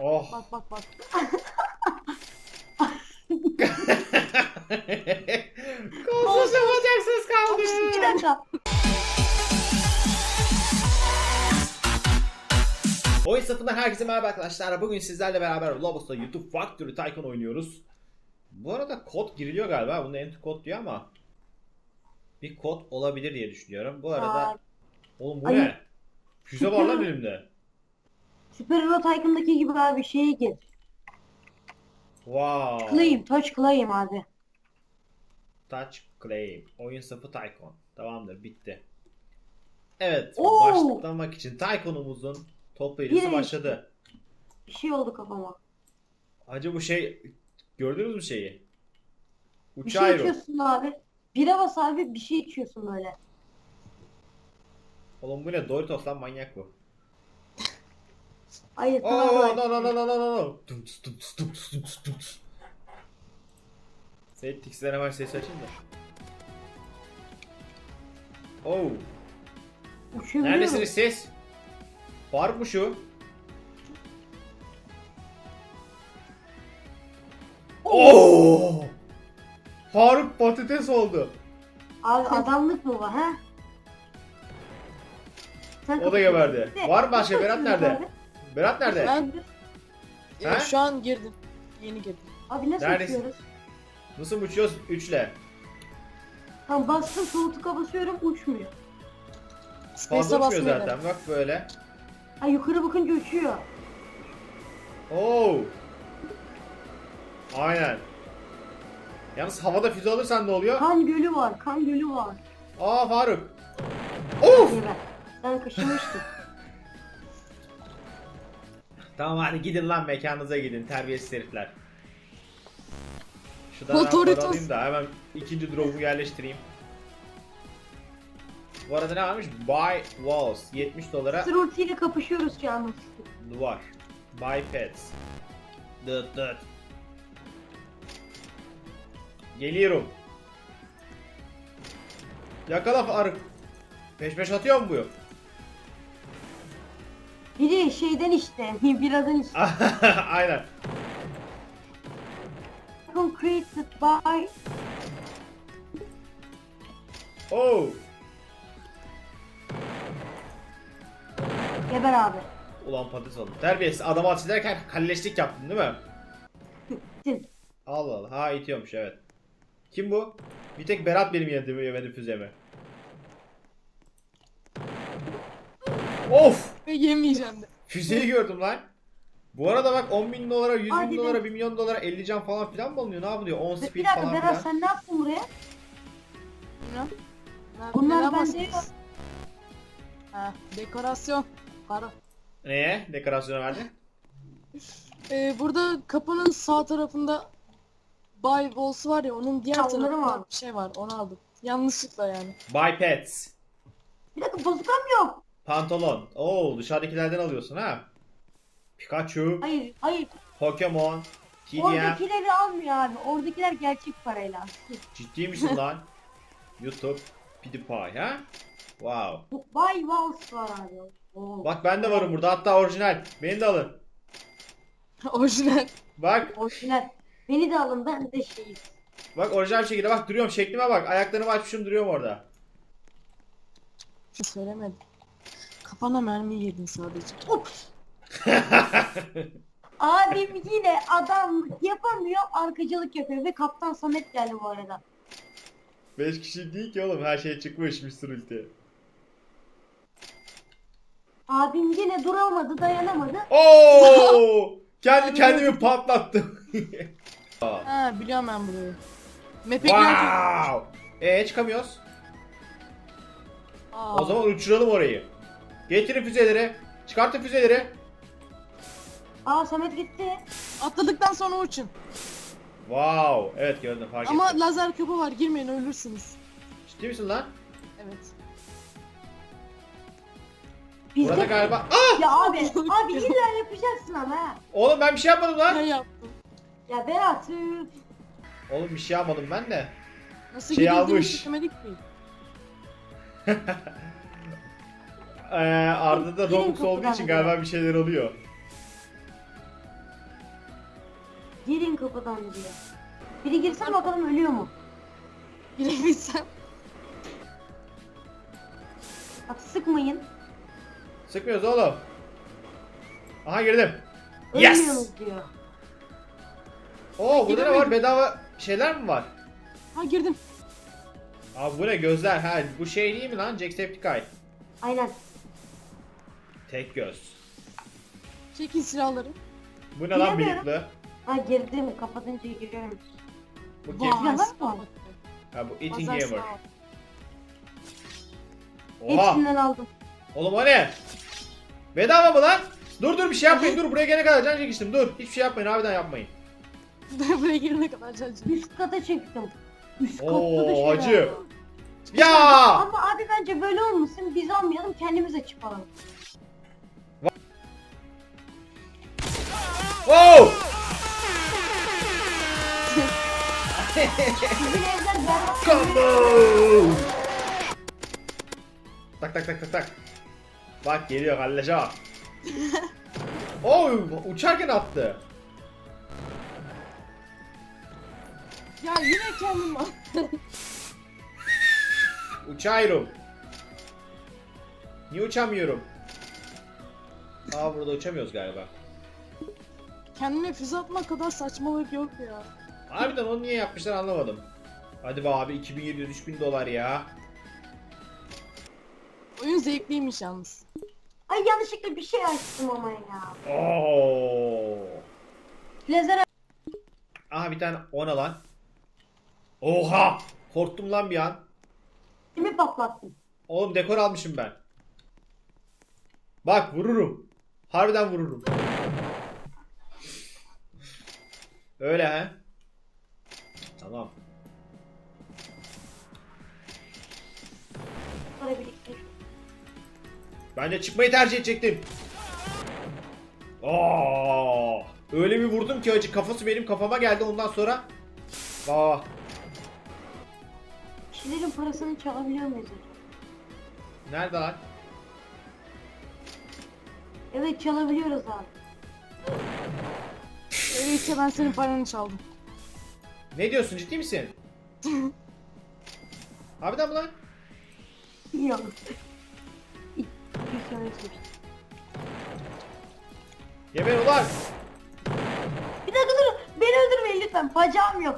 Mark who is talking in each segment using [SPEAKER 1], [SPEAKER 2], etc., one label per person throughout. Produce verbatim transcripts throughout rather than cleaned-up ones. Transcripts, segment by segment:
[SPEAKER 1] Oh.
[SPEAKER 2] Bak bak bak.
[SPEAKER 1] Kolsuz yapacaksınız kaldı.
[SPEAKER 2] Bir dakika.
[SPEAKER 1] Oyun sınıfından herkese merhaba arkadaşlar. Bugün sizlerle beraber Roblox'ta YouTube Factory Tycoon oynuyoruz. Bu arada kod giriliyor galiba. Bunda enter kod diyor ama bir kod olabilir diye düşünüyorum. Bu arada
[SPEAKER 2] Aa,
[SPEAKER 1] oğlum bu
[SPEAKER 2] Ay.
[SPEAKER 1] ne? Füze var lan elimde.
[SPEAKER 2] Super Hero Tycoon'daki gibi abi bir şeye gir.
[SPEAKER 1] Wow.
[SPEAKER 2] Claim, touch claim abi.
[SPEAKER 1] Touch claim. Oyun sınıfı Tycoon. Tamamdır, bitti. Evet,
[SPEAKER 2] Oo.
[SPEAKER 1] başlamak için Tycoon'umuzun toplayıcısı
[SPEAKER 2] Bir-
[SPEAKER 1] başladı.
[SPEAKER 2] Bir şey oldu kafama.
[SPEAKER 1] Hacı bu şey, gördünüz mü şeyi?
[SPEAKER 2] Bir
[SPEAKER 1] Uçağı
[SPEAKER 2] şey içiyorsun abi. Bira bas abi bir şey içiyorsun böyle.
[SPEAKER 1] Oğlum bu ne? Doritos lan, manyak bu.
[SPEAKER 2] Hayır
[SPEAKER 1] Oo,
[SPEAKER 2] tamam.
[SPEAKER 1] no no no no no no no. Tum tus tum tus tum tus tum tus tum tus. Seyit Tix'den hemen sesi açayım da. Oo.
[SPEAKER 2] Uçabiliyorum.
[SPEAKER 1] Neredesiniz siz? Faruk mu şu? Oo. Faruk patates oldu.
[SPEAKER 2] Abi adamlık mı var ha? Sen
[SPEAKER 1] O da geberdi.
[SPEAKER 2] Ne?
[SPEAKER 1] Var mı başka?
[SPEAKER 2] Nasıl
[SPEAKER 1] Berat
[SPEAKER 2] açıyoruz
[SPEAKER 1] nerede?
[SPEAKER 2] abi?
[SPEAKER 1] Berat nerede?
[SPEAKER 2] Ben...
[SPEAKER 3] Ee,
[SPEAKER 1] Ha?
[SPEAKER 3] şu an girdim. Yeni girdim.
[SPEAKER 2] Abi nasıl
[SPEAKER 1] Neredesin?
[SPEAKER 2] açıyoruz?
[SPEAKER 1] Nasıl uçuyoruz? Üçle.
[SPEAKER 2] Tamam bastım soğutuka basıyorum uçmuyor.
[SPEAKER 1] Fazla
[SPEAKER 3] Space'e
[SPEAKER 1] uçmuyor
[SPEAKER 3] basmıyor
[SPEAKER 1] zaten. Bak böyle.
[SPEAKER 2] Ha yukarı bakınca uçuyor.
[SPEAKER 1] Oo. Aynen. Yalnız havada füze alırsan ne oluyor?
[SPEAKER 2] Kan gölü var, kan gölü var.
[SPEAKER 1] Aa Faruk. Of.
[SPEAKER 2] Geber. Sen kaşımıştın.
[SPEAKER 1] Tamam hadi gidin lan, mekanınıza gidin terbiyesiz herifler. Şuradan ben
[SPEAKER 3] Motoritos.
[SPEAKER 1] para alayım da hemen ikinci drop'u yerleştireyim. Bu arada ne varmış? Buy walls. yetmiş dolara
[SPEAKER 2] Sırulti ile kapışıyoruz canım.
[SPEAKER 1] duvar. Buy pets. Dıt dıt. Geliyorum. Yakala Faruk. Peş peş atıyor mu bu?
[SPEAKER 2] Biri şeyden işte, biradan işte.
[SPEAKER 1] Aynen.
[SPEAKER 2] Created by...
[SPEAKER 1] Oh.
[SPEAKER 2] Geber abi.
[SPEAKER 1] Ulan patates oldu. Terbiyesiz, adamı ateş ederken kalleşlik yaptın değil mi?
[SPEAKER 2] Sin.
[SPEAKER 1] Allah Allah. Ha, itiyormuş, evet. Kim bu? Bir tek Berat benim yediğimi yemedi füzemi. Of!
[SPEAKER 3] Ve yemeyeceğim de.
[SPEAKER 1] Füzeyi gördüm lan. Bu arada bak, on bin dolara, yüz
[SPEAKER 2] Hadi
[SPEAKER 1] bin
[SPEAKER 2] be.
[SPEAKER 1] dolara, bir milyon dolara, elli can falan filan mı alınıyor? Ne yapılıyor? on
[SPEAKER 2] Bir
[SPEAKER 1] speed
[SPEAKER 2] dakika
[SPEAKER 1] falan
[SPEAKER 2] Berat
[SPEAKER 1] filan.
[SPEAKER 2] sen ne yaptın buraya?
[SPEAKER 3] Bilmem. Nerede-
[SPEAKER 2] Bunlar
[SPEAKER 3] neden
[SPEAKER 2] bende
[SPEAKER 3] bahsediyorsun? Ha, dekorasyon. Para.
[SPEAKER 1] Neye? Dekorasyona verdin?
[SPEAKER 3] Ee, burada kapının sağ tarafında Bay Walls var ya, onun diğer
[SPEAKER 2] Ha, onları mı
[SPEAKER 3] tarafında
[SPEAKER 2] aldın?
[SPEAKER 3] bir şey var, onu aldım. Yanlışlıkla yani.
[SPEAKER 1] Buy pets.
[SPEAKER 2] Bir dakika bazukam yok.
[SPEAKER 1] Pantolon. Oo, dışarıdakilerden alıyorsun ha. Pikachu,
[SPEAKER 2] Hayır, hayır.
[SPEAKER 1] Pokemon, T D M.
[SPEAKER 2] Oradakileri almıyor abi. Oradakiler gerçek parayla.
[SPEAKER 1] Ciddi misin lan? YouTube, PewDiePie ha? Wow.
[SPEAKER 2] Bu Bay Walls var abi. Oo.
[SPEAKER 1] Bak ben de varım burada, hatta orijinal. Beni de alın.
[SPEAKER 3] Orijinal.
[SPEAKER 1] Bak,
[SPEAKER 2] Orijinal. Beni de alın ben de şeyim.
[SPEAKER 1] bak orijinal bir şekilde bak duruyorum, şeklime bak. Ayaklarımı açmışım, duruyorum orada.
[SPEAKER 3] Şu söylemedim. Kafana mermi yedin sadece.
[SPEAKER 2] Ups. Abim yine adam yapamıyor, arkacılık yapıyor ve Kaptan Samet geldi bu arada.
[SPEAKER 1] beş kişi değil ki oğlum, her şey çıkmış Mister Ulti.
[SPEAKER 2] Abim yine duramadı, dayanamadı.
[SPEAKER 1] Oo! Kendi kendimi patlattım.
[SPEAKER 3] Ha, biliyorum ben burayı. Map'e girerken...
[SPEAKER 1] Wow! Eee çıkamıyoruz.
[SPEAKER 3] Aa,
[SPEAKER 1] O zaman uçuralım orayı. Getirin füzeleri. Çıkartın füzeleri.
[SPEAKER 2] Aa Samet gitti.
[SPEAKER 3] atladıktan sonra uçun.
[SPEAKER 1] Wow! Evet, gördüm, fark
[SPEAKER 3] Ama
[SPEAKER 1] ettim.
[SPEAKER 3] lazer küpü var, girmeyin ölürsünüz.
[SPEAKER 1] Ciddi misin lan?
[SPEAKER 3] Evet.
[SPEAKER 2] Biz
[SPEAKER 1] Burada
[SPEAKER 2] de...
[SPEAKER 1] galiba... Ah!
[SPEAKER 2] Ya abi, abi illa yapacaksın ama ha.
[SPEAKER 1] Oğlum ben bir şey yapmadım lan.
[SPEAKER 3] Ne yaptım?
[SPEAKER 2] Ya Berat, üf.
[SPEAKER 1] Oğlum bir şey yapmadım ben de.
[SPEAKER 3] Nasıl
[SPEAKER 1] Şey
[SPEAKER 3] gidildiğini
[SPEAKER 1] almış.
[SPEAKER 3] çekemedik mi?
[SPEAKER 1] Ee, Arda'da
[SPEAKER 2] Gelin
[SPEAKER 1] Robux olduğu
[SPEAKER 2] kapıdan
[SPEAKER 1] için
[SPEAKER 2] buraya.
[SPEAKER 1] galiba bir şeyler oluyor.
[SPEAKER 2] Girin kapıdan diyor. Biri girsin bakalım ölüyor mu?
[SPEAKER 3] Girebilsem.
[SPEAKER 2] Bak sıkmayın.
[SPEAKER 1] Sıkmıyoruz oğlum. Aha girdim. Yes!
[SPEAKER 2] Ölmüyorsunuz diyor.
[SPEAKER 1] Oo burada ne var?
[SPEAKER 3] Giremedim.
[SPEAKER 1] Bedava şeyler mi var?
[SPEAKER 3] Ha girdim.
[SPEAKER 1] Abi bu ne gözler? Ha bu şey değil mi lan? Jacksepticeye.
[SPEAKER 2] Aynen.
[SPEAKER 1] Tek göz.
[SPEAKER 3] Çekin silahları.
[SPEAKER 1] Bu ne lan
[SPEAKER 2] Giremiyorum.
[SPEAKER 1] bıyıklı?
[SPEAKER 2] Ha girdim. Kapatınca giriyorum.
[SPEAKER 1] Bu
[SPEAKER 3] Vay,
[SPEAKER 1] kim?
[SPEAKER 2] Silahlar mı var?
[SPEAKER 1] Ha bu Eating
[SPEAKER 3] Pazar
[SPEAKER 1] Gamer.
[SPEAKER 3] silahı.
[SPEAKER 1] Oha!
[SPEAKER 2] Hepsinden aldım.
[SPEAKER 1] Oğlum o ne? Bedava mı lan? Dur dur bir şey yapmayın dur buraya gelene kadar can çekiştim dur. Hiçbir şey yapmayın harbiden yapmayın.
[SPEAKER 3] Buraya girene kadar çalışacağım.
[SPEAKER 2] Üst kata çıktım. Üst katta da
[SPEAKER 1] Oo
[SPEAKER 2] şey
[SPEAKER 1] hacı.
[SPEAKER 2] var.
[SPEAKER 1] Ya!
[SPEAKER 2] Ama abi bence böyle olmasın. Biz almayalım kendimize çıkalım.
[SPEAKER 1] Wow!
[SPEAKER 2] Bizim evler berbat.
[SPEAKER 1] Combo! Tak tak tak tak tak. Bak geliyor halleca. Oo uçarken attı.
[SPEAKER 3] Ya yine kendim var.
[SPEAKER 1] Uçuyorum. Niye uçamıyorum? Aa burada uçamıyoruz galiba.
[SPEAKER 3] Kendime füze atmak kadar saçmalık yok ya.
[SPEAKER 1] Harbiden onu niye yapmışlar anlamadım. Hadi be abi iki bin yedi yüz üç bin dolar ya.
[SPEAKER 3] Oyun zevkliymiş yalnız.
[SPEAKER 2] Ay yanlışlıkla bir şey açtım ama ya.
[SPEAKER 1] Oo.
[SPEAKER 2] Lazer
[SPEAKER 1] Aha bir tane ona lan. Oha! Korktum lan bir an.
[SPEAKER 2] mi patlattım?
[SPEAKER 1] Oğlum dekor almışım ben. Bak vururum. Harbiden vururum. Öyle he. Tamam.
[SPEAKER 2] Para biriktir.
[SPEAKER 1] Ben de çıkmayı tercih edecektim. Aa! Öyle bir vurdum ki acı kafası benim kafama geldi ondan sonra. Aa!
[SPEAKER 2] Kişilerin parasını çalabiliyor muyuz acaba?
[SPEAKER 1] Nerede lan?
[SPEAKER 2] Evet çalabiliyoruz abi.
[SPEAKER 3] Öyleyse ben senin paranı çaldım.
[SPEAKER 1] Ne diyorsun ciddi misin? Harbiden mi lan?
[SPEAKER 2] Yok. İlk bir söylemiştim.
[SPEAKER 1] Geber ulan!
[SPEAKER 2] Bir dakika dur. Beni öldürmeyin lütfen. Bacağım yok.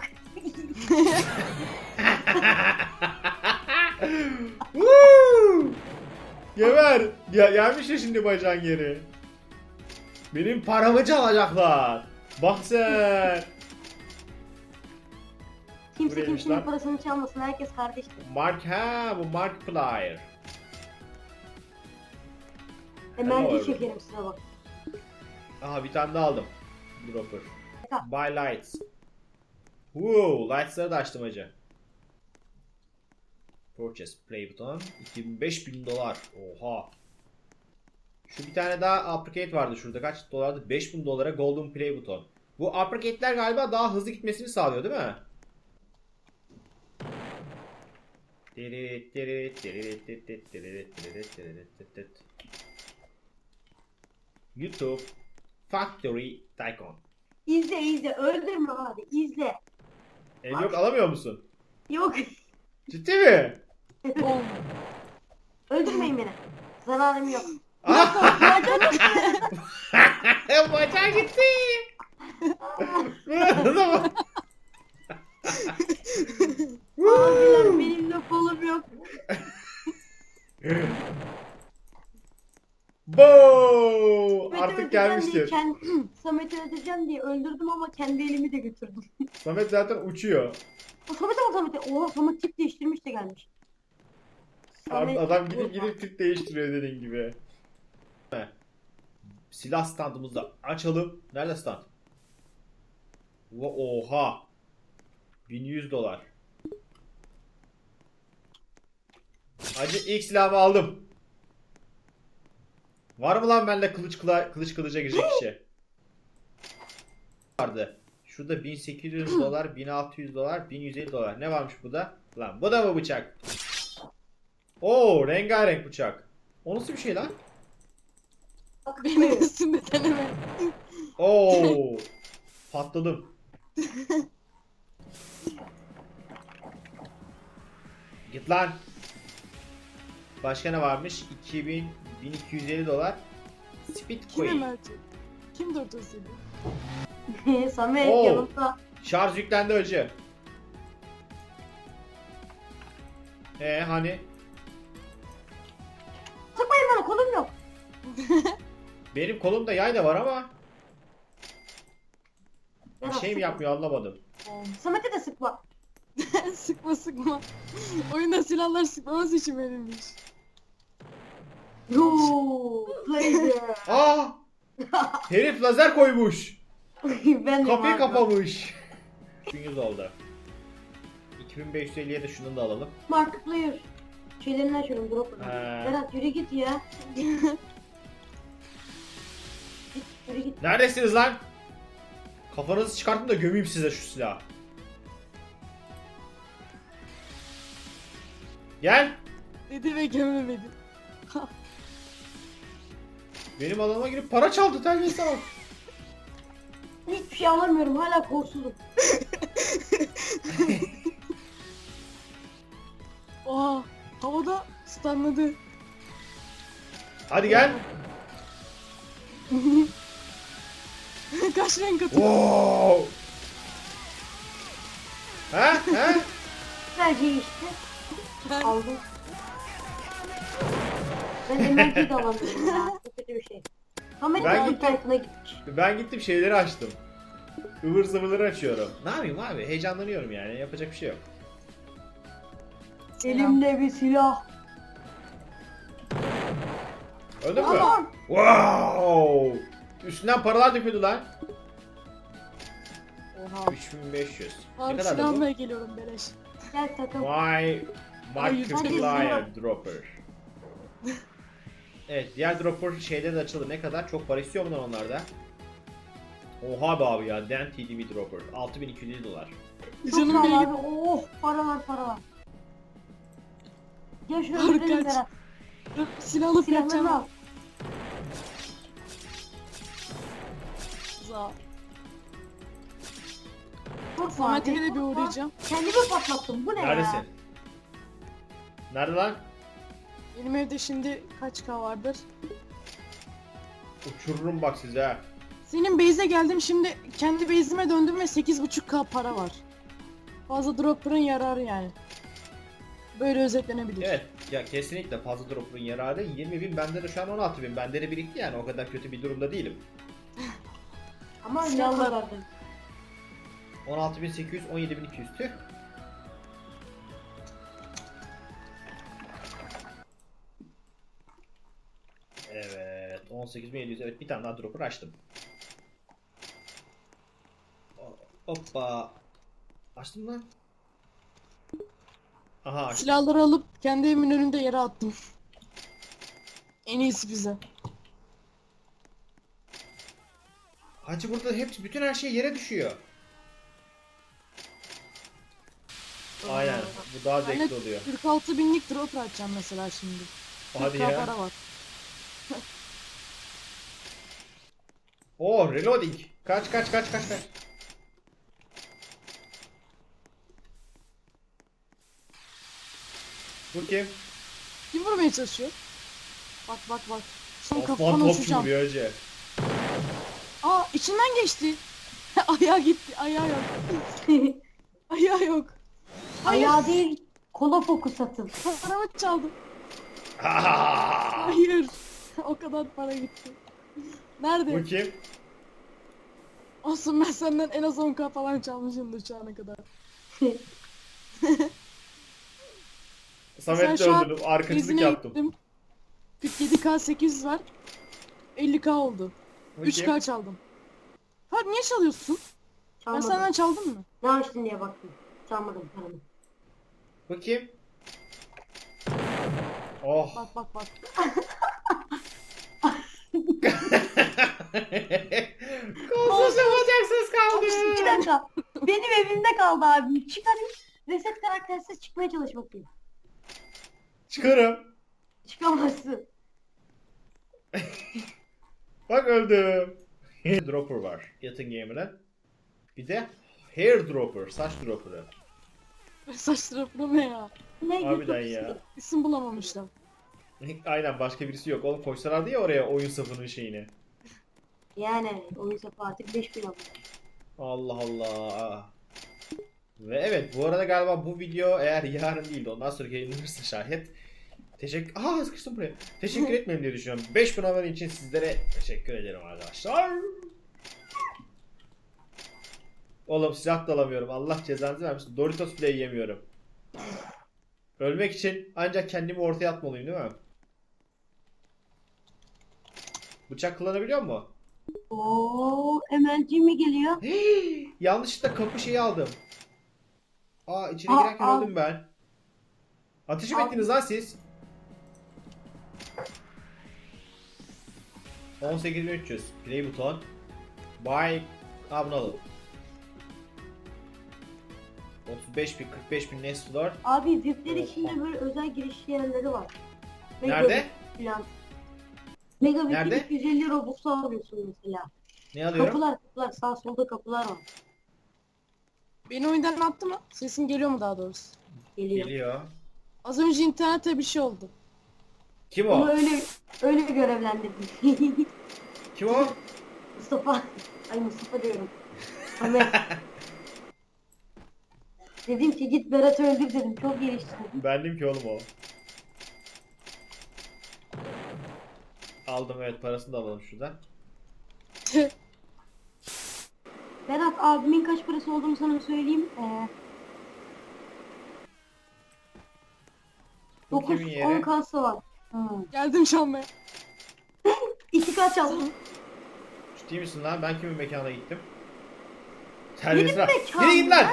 [SPEAKER 1] Woo! Geber! Ya, gelmiş ya şimdi bacağın geri. Benim paramı çalacaklar. Bak sen.
[SPEAKER 2] Kimse
[SPEAKER 1] Buraymış
[SPEAKER 2] kimsenin
[SPEAKER 1] lan.
[SPEAKER 2] parasını çalmasın. Herkes kardeştir.
[SPEAKER 1] Mark ha bu Markiplier.
[SPEAKER 2] Emelci
[SPEAKER 1] Hello.
[SPEAKER 2] çekerim size bak.
[SPEAKER 1] Aha bir tane daha aldım. Dropper.
[SPEAKER 2] Tamam.
[SPEAKER 1] Buy lights. Woo, lights'ları da açtım hacı. Purchase play button. iki bin beş bin dolar. Oha. Şu bir tane daha uppercut vardı şurada. Kaç dolardı? beş bin dolara golden play button. Bu uppercut'ler galiba daha hızlı gitmesini sağlıyor değil mi? YouTube Factory Tycoon.
[SPEAKER 2] İzle izle. Öldürme abi. İzle.
[SPEAKER 1] Ev yok alamıyor musun?
[SPEAKER 2] Yok.
[SPEAKER 1] Ciddi mi?
[SPEAKER 3] Bom.
[SPEAKER 2] Öldürmeyin beni. Zararım yok.
[SPEAKER 1] Ah!
[SPEAKER 2] Bacağım yok.
[SPEAKER 1] Bacağı gitti.
[SPEAKER 2] Abiler benim de kolum yok.
[SPEAKER 1] Bo!
[SPEAKER 2] Samet'i
[SPEAKER 1] Artık
[SPEAKER 2] öldüreceğim diye
[SPEAKER 1] gelmiştir.
[SPEAKER 2] Kendi, Samet'i öldüreceğim diye öldürdüm ama kendi elimi de götürdüm.
[SPEAKER 1] Samet zaten uçuyor.
[SPEAKER 2] O Samet ama Samet'e. Oha Samet tip değiştirmiş de gelmiş. Samet-
[SPEAKER 1] Adam gidip gidip tip değiştiriyor dediğin gibi. Silah standımızı da açalım. Nerede stand? Oha. bin yüz dolar. Hacı ilk silahımı aldım. Var mı lan bende kılıç kıla, kılıç kılıca girecek kişi? Vardı. Şurada bin sekiz yüz dolar, bin altı yüz dolar, bin yüz elli dolar. Ne varmış bu da? Lan bu da mı bıçak? Oo, rengarenk bıçak. O nasıl bir şey lan?
[SPEAKER 3] Benim üstümde deneme.
[SPEAKER 1] Oo. Patladım. Git lan. Başka ne varmış? iki bin bin iki yüz elli dolar. Speed
[SPEAKER 3] Kim
[SPEAKER 1] coin.
[SPEAKER 3] Ömerci? Kim dört yüz
[SPEAKER 2] Samet
[SPEAKER 1] Oo.
[SPEAKER 2] yanımda.
[SPEAKER 1] Şarj yüklendi önce. Ee hani
[SPEAKER 2] Sıkmayın bana, kolum yok.
[SPEAKER 1] benim kolumda yay da var ama bir
[SPEAKER 2] Berat,
[SPEAKER 1] şey mi
[SPEAKER 2] sıkma.
[SPEAKER 1] yapmıyor anlamadım.
[SPEAKER 2] Samet'e de sıkma.
[SPEAKER 3] Sıkma sıkma. Oyunda silahlar sıkmaması için verilmiş.
[SPEAKER 2] Yoo, laser.
[SPEAKER 1] Aa! Herif lazer koymuş.
[SPEAKER 2] Ben de
[SPEAKER 1] Kapıyı
[SPEAKER 2] var.
[SPEAKER 1] kapamış. iki yüz oldu. iki bin beş yüz elliye de şunu da alalım.
[SPEAKER 2] Markiplier. Şeylerini açıyorum, drop.
[SPEAKER 1] He.
[SPEAKER 2] Berat yürü git ya. Git, yürü git.
[SPEAKER 1] Neredesiniz lan? Kafanızı çıkartın da gömeyim size şu silahı. Gel.
[SPEAKER 3] Dedi ve gömemedi.
[SPEAKER 1] Benim alanıma girip para çaldı terbiyesiz bak.
[SPEAKER 2] Hiçbir şey alamıyorum, hala korsuzum.
[SPEAKER 3] Oha. Havada stunladı.
[SPEAKER 1] Hadi gel.
[SPEAKER 3] Kaç renk atıyor?
[SPEAKER 1] Wow. Ha? Ha?
[SPEAKER 2] Belki işte.
[SPEAKER 3] Ben-
[SPEAKER 2] Aldım. Ben emerciyi de alamıyorum ya. Çok kötü bir şey. Samet
[SPEAKER 1] Ben
[SPEAKER 2] ben
[SPEAKER 1] gittim.
[SPEAKER 2] internetine gitmiş.
[SPEAKER 1] Ben gittim şeyleri açtım. Ivır zıvırları açıyorum. Ne yapayım abi? Heyecanlanıyorum yani. Yapacak bir şey yok.
[SPEAKER 2] Elimde bir silah.
[SPEAKER 1] Öldün mü?
[SPEAKER 2] Aman.
[SPEAKER 1] Wow! Üstünden paralar döküldü lan.
[SPEAKER 3] Oha.
[SPEAKER 1] üç bin beş yüz. Ne
[SPEAKER 3] Abi
[SPEAKER 1] kadar da bu?
[SPEAKER 3] silah almaya geliyorum beleş.
[SPEAKER 2] Gel takım.
[SPEAKER 1] My
[SPEAKER 3] Hayır,
[SPEAKER 1] Markiplier
[SPEAKER 2] hadi.
[SPEAKER 1] Dropper. Evet, diğer dropper şeyleri de açıldı. Ne kadar? Çok para istiyor bunlar onlarda. Oha be abi ya. Den T D V Dropper. altı bin iki yüz elli dolar.
[SPEAKER 2] Çok
[SPEAKER 3] Canım
[SPEAKER 2] sağ ol
[SPEAKER 3] benim.
[SPEAKER 2] abi. Oh, para var, para var. Gel şuraya
[SPEAKER 3] Harika.
[SPEAKER 2] gidelim Berat.
[SPEAKER 3] Silahlı
[SPEAKER 2] Silahlarını
[SPEAKER 3] fiyatacağım.
[SPEAKER 2] al.
[SPEAKER 3] Za.
[SPEAKER 2] Korkma
[SPEAKER 3] Samet'e
[SPEAKER 2] abi,
[SPEAKER 3] de bir
[SPEAKER 2] korkma.
[SPEAKER 3] uğrayacağım.
[SPEAKER 2] Kendimi patlattım. Bu ne
[SPEAKER 1] Neredesin?
[SPEAKER 2] ya?
[SPEAKER 1] Nerede lan?
[SPEAKER 3] Benim evde şimdi kaç K vardır?
[SPEAKER 1] Uçururum bak size ha.
[SPEAKER 3] Senin base'e geldim, şimdi kendi base'ime döndüm ve sekiz buçuk K para var. Fazla dropper'ın yararı yani. Böyle özetlenebilir.
[SPEAKER 1] Evet. Ya kesinlikle fazla dropper'ın yararı. yirmi bin, bende de şu an on altı bin. Bende de birikti yani. O kadar kötü bir durumda değilim.
[SPEAKER 2] Ama ne
[SPEAKER 3] Silahlar.
[SPEAKER 2] kadardı?
[SPEAKER 1] on altı bin sekiz yüz, on yedi bin iki yüz. Tüh. Evet. on sekiz bin yedi yüz. Evet, bir tane daha dropper açtım. Hoppa. Açtım lan. Aha açtım.
[SPEAKER 3] Silahları alıp kendi evimin önünde yere attım. En iyisi bize.
[SPEAKER 1] Hacı burada hepsi, bütün her şey yere düşüyor. Aynen. Bu daha
[SPEAKER 3] Ben
[SPEAKER 1] zevkli
[SPEAKER 3] de
[SPEAKER 1] oluyor.
[SPEAKER 3] kırk altı binlik dropper açacağım mesela şimdi.
[SPEAKER 1] Hadi
[SPEAKER 3] kırk K
[SPEAKER 1] ya.
[SPEAKER 3] para var.
[SPEAKER 1] Oo, reloading. Kaç kaç kaç kaç kaç. Bu kim?
[SPEAKER 3] Kim vurmaya çalışıyor? Bak bak bak. Son
[SPEAKER 1] Osman
[SPEAKER 3] kafadan
[SPEAKER 1] Topçu
[SPEAKER 3] uçacağım.
[SPEAKER 1] vuruyor önce.
[SPEAKER 3] Aa, içinden geçti. Ayağı gitti. Ayağı yok. Ayağı yok. Hayır.
[SPEAKER 2] Ayağı değil, kola fokus atın.
[SPEAKER 3] Paramı çaldı.
[SPEAKER 1] Ah!
[SPEAKER 3] Hayır. O kadar para gitti. Nerede?
[SPEAKER 1] Bu kim?
[SPEAKER 3] Olsun, ben senden en az on K falan çalmışımdır şu ana kadar.
[SPEAKER 1] Samet'le
[SPEAKER 3] şu an
[SPEAKER 1] öldürdüm. Arkacılık
[SPEAKER 3] İzine
[SPEAKER 1] yaptım.
[SPEAKER 3] gittim. kırk yedi K sekiz yüz var. elli K oldu.
[SPEAKER 1] Bu
[SPEAKER 3] üç
[SPEAKER 1] kim?
[SPEAKER 3] K çaldım. Fark niye çalıyorsun? Ben
[SPEAKER 2] Çalmadım.
[SPEAKER 3] senden çaldım mı?
[SPEAKER 2] Ne açtın diye baktım. Çalmadım paramı.
[SPEAKER 1] Bu kim? Oh.
[SPEAKER 3] Bak bak bak.
[SPEAKER 1] Kolsuz yapacaksınız kaldı.
[SPEAKER 2] Bir dakika. Benim evimde kaldı abi. Çıkarayım. Reset karaktersiz çıkmaya çalış bakayım.
[SPEAKER 1] Çıkarım.
[SPEAKER 2] Çıkamazsın.
[SPEAKER 1] Bak öldüm. Dropper var. Yatın gamer'ın. Bir de Hair dropper. Saç dropper'ı.
[SPEAKER 3] Saç dropper ne ya?
[SPEAKER 2] Ne
[SPEAKER 1] Harbiden
[SPEAKER 2] YouTube
[SPEAKER 1] ya.
[SPEAKER 3] İsim bulamamışlar.
[SPEAKER 1] Aynen, başka birisi yok. Oğlum koysalardı ya oraya oyun safının şeyini.
[SPEAKER 2] Yani oyun sapı artık beş bin abone.
[SPEAKER 1] Allah Allah. Ve evet, bu arada galiba bu video eğer yarın değil de ondan sonra yayınlanırsa şayet teşekkür... Aa, sıkıştım buraya. Teşekkür etmem diye düşünüyorum. beş bin abone için sizlere teşekkür ederim arkadaşlar. Oğlum silah da alamıyorum. Allah cezanızı vermesin. Doritos bile yiyemiyorum. Ölmek için ancak kendimi ortaya atmalıyım değil mi? Bıçak kullanabiliyor mu?
[SPEAKER 2] Oo, M L G mi geliyor?
[SPEAKER 1] Yanlışlıkla kapı şeyi aldım. Aa, içine
[SPEAKER 2] Aa,
[SPEAKER 1] girerken
[SPEAKER 2] aa.
[SPEAKER 1] öldüm ben. Ateş mi
[SPEAKER 2] Aa.
[SPEAKER 1] ettiniz lan siz? on sekiz bin üç yüz. Play buton. Buy. Aa, bunu alalım. otuz beş bin, kırk beş bin next floor.
[SPEAKER 2] Abi V I P'ler
[SPEAKER 1] Oha.
[SPEAKER 2] içinde böyle özel giriş yerleri var. Mega
[SPEAKER 1] Nerede?
[SPEAKER 2] V I P Falan. Mega V I P'de
[SPEAKER 1] Nerede?
[SPEAKER 2] iki yüz elli Robux alıyorsun mesela.
[SPEAKER 1] Ne alıyorum?
[SPEAKER 2] Kapılar kapılar sağ solda kapılar var.
[SPEAKER 3] Beni oyundan attı mı? Sesim geliyor mu daha doğrusu?
[SPEAKER 2] Geliyor.
[SPEAKER 1] Geliyor.
[SPEAKER 3] Az önce internette bir şey oldu.
[SPEAKER 1] Kim
[SPEAKER 2] Onu
[SPEAKER 1] o?
[SPEAKER 2] öyle öyle görevlendirdim.
[SPEAKER 1] Kim o?
[SPEAKER 2] Mustafa. Ay Mustafa diyorum. Ahmet. Dedim ki git Berat'ı öldür dedim. Çok gelişti dedim.
[SPEAKER 1] Bendim ki oğlum o. Aldım, evet, parasını da alalım şuradan.
[SPEAKER 2] Berat abimin kaç parası olduğunu sana söyleyeyim. Ee,
[SPEAKER 1] Bu kimin yeri?
[SPEAKER 2] dokuz on kasa var. Hmm.
[SPEAKER 3] Geldim çalmaya.
[SPEAKER 2] İki kaç aldım.
[SPEAKER 1] Ciddi misin lan? Ben kimin mekana gittim? Terbiyesiz lan.
[SPEAKER 2] mekan
[SPEAKER 1] Yürü git lan!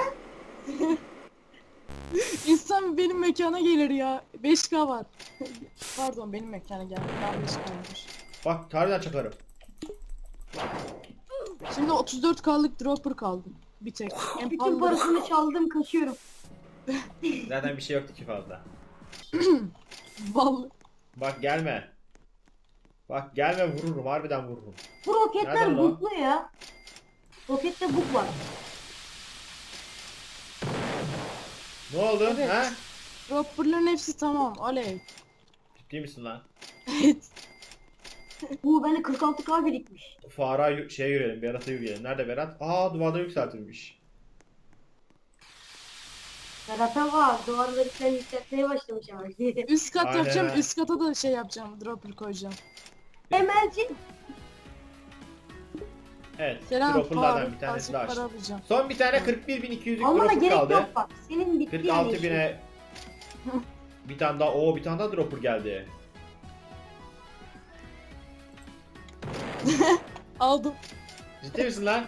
[SPEAKER 3] İnsan benim mekana gelir ya. beş K var. Pardon, benim mekana geldi. Ben beş K'ymış.
[SPEAKER 1] Bak, tarihten çakarım.
[SPEAKER 3] Şimdi otuz dört K'lık dropper kaldı. Bir tek. En
[SPEAKER 2] Bütün
[SPEAKER 3] pahalı-
[SPEAKER 2] parasını çaldım kaçıyorum.
[SPEAKER 1] Zaten bir şey yoktu ki fazla.
[SPEAKER 3] Vallahi.
[SPEAKER 1] Bak gelme. Bak gelme, vururum. Harbiden vururum.
[SPEAKER 2] Bu roketler
[SPEAKER 1] Nereden o?
[SPEAKER 2] buklu ya. Rokette buk var.
[SPEAKER 1] Ne oldu?
[SPEAKER 3] Evet.
[SPEAKER 1] Ha?
[SPEAKER 3] Dropper'ların hepsi tamam. Oley.
[SPEAKER 1] Ciddi misin lan?
[SPEAKER 3] Evet.
[SPEAKER 2] Bu bende kırk altı K birikmiş.
[SPEAKER 1] Fara yu- şeye yürüyelim. Berat'a yürüyelim. Nerede Berat? Aa, duvarda yükseltilmiş.
[SPEAKER 2] Berat'a var. Duvarları sen yükseltmeye başlamış ama.
[SPEAKER 3] Üst kat
[SPEAKER 1] Aynen.
[SPEAKER 3] yapacağım. Üst kata da şey yapacağım. Dropper koyacağım.
[SPEAKER 2] Emelci.
[SPEAKER 1] Evet.
[SPEAKER 3] Selam.
[SPEAKER 1] Dropper'lardan
[SPEAKER 3] Faruk,
[SPEAKER 1] bir tanesi
[SPEAKER 3] azıcık
[SPEAKER 1] daha
[SPEAKER 3] para
[SPEAKER 1] açtım.
[SPEAKER 3] alacağım.
[SPEAKER 1] Son bir tane kırk bir bin iki yüzlük
[SPEAKER 2] Almana
[SPEAKER 1] dropper
[SPEAKER 2] gerek
[SPEAKER 1] kaldı.
[SPEAKER 2] yok bak. Senin bitti
[SPEAKER 1] kırk
[SPEAKER 2] yani
[SPEAKER 1] altı
[SPEAKER 2] işin.
[SPEAKER 1] bine bir tane daha. Oo, bir tane daha dropper geldi.
[SPEAKER 3] Aldım.
[SPEAKER 1] Ciddi misin lan?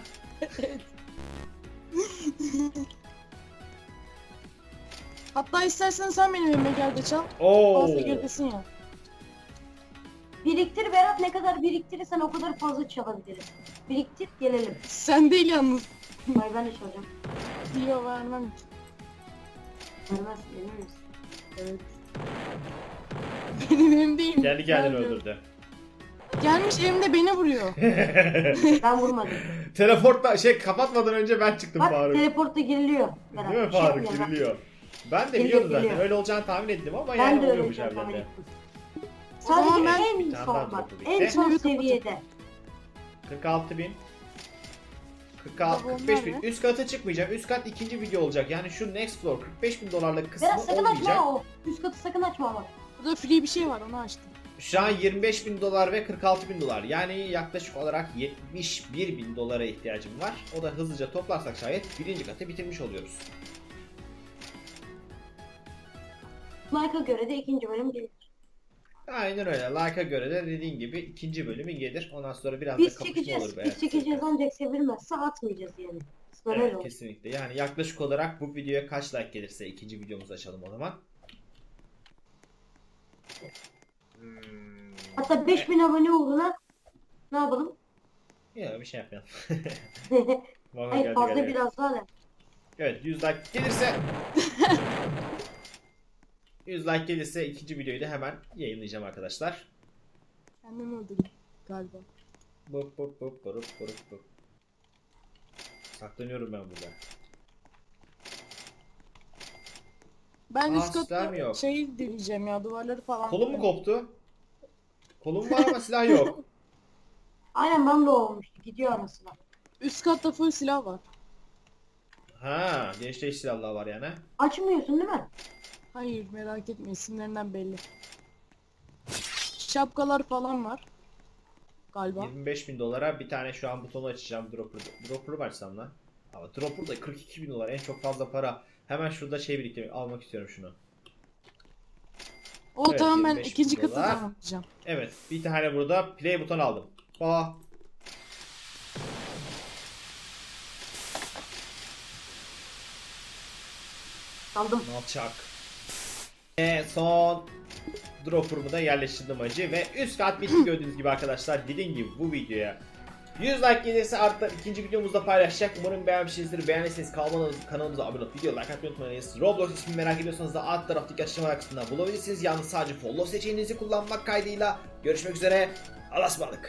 [SPEAKER 3] Hatta istersen sen benim evime gel de çal.
[SPEAKER 1] Oo.
[SPEAKER 3] Fazla girdesin ya.
[SPEAKER 2] Biriktir Berat, ne kadar biriktirirsen o kadar fazla çalabiliriz. Biriktir gelelim.
[SPEAKER 3] Sen değil yalnız.
[SPEAKER 2] Hayır ben de çalacağım.
[SPEAKER 3] Diyor vermem ki.
[SPEAKER 2] Vermezsin emin misin?
[SPEAKER 3] Evet. Benim evim değil.
[SPEAKER 1] Kendi kendini
[SPEAKER 3] Ben-
[SPEAKER 1] öldürdü.
[SPEAKER 3] Gelmiş evimde beni vuruyor.
[SPEAKER 2] Ben vurmadım.
[SPEAKER 1] Teleportla şey kapatmadan önce ben çıktım
[SPEAKER 2] Bak
[SPEAKER 1] Faruk.
[SPEAKER 2] teleportta giriliyor. Berat.
[SPEAKER 1] Değil mi
[SPEAKER 2] Bir şey
[SPEAKER 1] Faruk?
[SPEAKER 2] yapmıyor, bak.
[SPEAKER 1] Giriliyor. Ben de
[SPEAKER 2] Geliyor,
[SPEAKER 1] biliyordum zaten.
[SPEAKER 2] geliyor.
[SPEAKER 1] Öyle olacağını tahmin ettim ama
[SPEAKER 2] Ben
[SPEAKER 1] yani
[SPEAKER 2] de öyle
[SPEAKER 1] oluyormuş
[SPEAKER 2] yapacağım, tahmin
[SPEAKER 1] harbiden de.
[SPEAKER 2] ettim.
[SPEAKER 3] O zaman
[SPEAKER 2] Sadece
[SPEAKER 3] ben-
[SPEAKER 2] en
[SPEAKER 1] Bir tane daha
[SPEAKER 2] son bak.
[SPEAKER 1] drop'u
[SPEAKER 2] En
[SPEAKER 1] bitti.
[SPEAKER 2] son
[SPEAKER 3] Şimdi
[SPEAKER 2] seviyede.
[SPEAKER 1] kırk altı bin. kırk altı,
[SPEAKER 3] Tabii
[SPEAKER 1] kırk beş
[SPEAKER 3] onlar
[SPEAKER 1] bin.
[SPEAKER 3] ne?
[SPEAKER 1] Üst kata çıkmayacağım. Üst kat ikinci video olacak. Yani şu next floor kırk beş bin dolarlık kısmı
[SPEAKER 2] Berat sakın
[SPEAKER 1] olmayacak.
[SPEAKER 2] açma o. Üst katı sakın açma ama.
[SPEAKER 3] Burada free bir şey var, onu açtım.
[SPEAKER 1] Şu an yirmi beş bin dolar ve kırk altı bin dolar. Yani yaklaşık olarak yetmiş bir bin dolara ihtiyacım var. O da hızlıca toplarsak şayet birinci katı bitirmiş oluyoruz.
[SPEAKER 2] Like'a göre de ikinci bölüm gelir.
[SPEAKER 1] Aynen öyle. Like'a göre de dediğin gibi ikinci bölümü gelir. Ondan sonra biraz
[SPEAKER 2] Biz
[SPEAKER 1] da kapışma
[SPEAKER 2] çekeceğiz.
[SPEAKER 1] olur.
[SPEAKER 2] Biz çekeceğiz ancak sevilmezse atmayacağız yani. Sonra öyle
[SPEAKER 1] Evet,
[SPEAKER 2] olur.
[SPEAKER 1] kesinlikle. Yani yaklaşık olarak bu videoya kaç like gelirse ikinci videomuzu açalım o zaman. Hmm.
[SPEAKER 2] Hatta beş bin abone uğruna ne yapalım?
[SPEAKER 1] Ya bir şey yapmayalım. Vallahi
[SPEAKER 2] Hayır
[SPEAKER 1] geldi,
[SPEAKER 2] fazla
[SPEAKER 1] geldi.
[SPEAKER 2] biraz daha ne?
[SPEAKER 1] Evet, yüz like gelirse yüz like gelirse ikinci videoyu da hemen yayınlayacağım arkadaşlar.
[SPEAKER 3] Kendimi öldürdüm galiba.
[SPEAKER 1] Bup bup bup bup bup bup. Saklanıyorum ben burada.
[SPEAKER 3] Ben
[SPEAKER 1] Aa,
[SPEAKER 3] üst
[SPEAKER 1] silah mı
[SPEAKER 3] katta
[SPEAKER 1] yok?
[SPEAKER 3] şey deneyeceğim ya, duvarları falan.
[SPEAKER 1] Kolum mu koptu? Kolum var ama silah yok.
[SPEAKER 2] Aynen ben de olmuştu. Gidiyor arasına.
[SPEAKER 3] Üst katta full silah var.
[SPEAKER 1] Ha, genç değiş silahlar var yani.
[SPEAKER 2] Açmıyorsun değil mi?
[SPEAKER 3] Hayır, merak etme, isimlerinden belli. Şapkalar falan var. Galiba.
[SPEAKER 1] yirmi beş bin dolara bir tane şu an butonu açacağım. Dropper, dropper'ı mı açsam lan? Ama dropper da kırk iki bin dolar, en çok fazla para. Hemen şurada şey biriktirmek, almak istiyorum şunu.
[SPEAKER 3] O
[SPEAKER 1] Evet,
[SPEAKER 3] tamam, ben
[SPEAKER 1] yirmi beş bin
[SPEAKER 3] ikinci katı
[SPEAKER 1] dolar.
[SPEAKER 3] tamamlayacağım.
[SPEAKER 1] Evet, bir tane burada play buton aldım. Aa.
[SPEAKER 2] Aldım.
[SPEAKER 1] Nalçak. Ve son dropper'ımı da yerleştirdim acı ve üst kat bitti gördüğünüz gibi arkadaşlar. Dediğim gibi bu videoya yüz like gelirse artık ikinci videomuzda paylaşacak. Umarım beğenmişsinizdir. Beğendiyseniz kanalımıza, kanalımıza abone olup video like atmayı unutmayınız. Roblox ismini merak ediyorsanız da alt taraftaki açıklama kısmında bulabilirsiniz. Yalnız sadece follow seçeneğinizi kullanmak kaydıyla görüşmek üzere. Allah'a ısmarladık.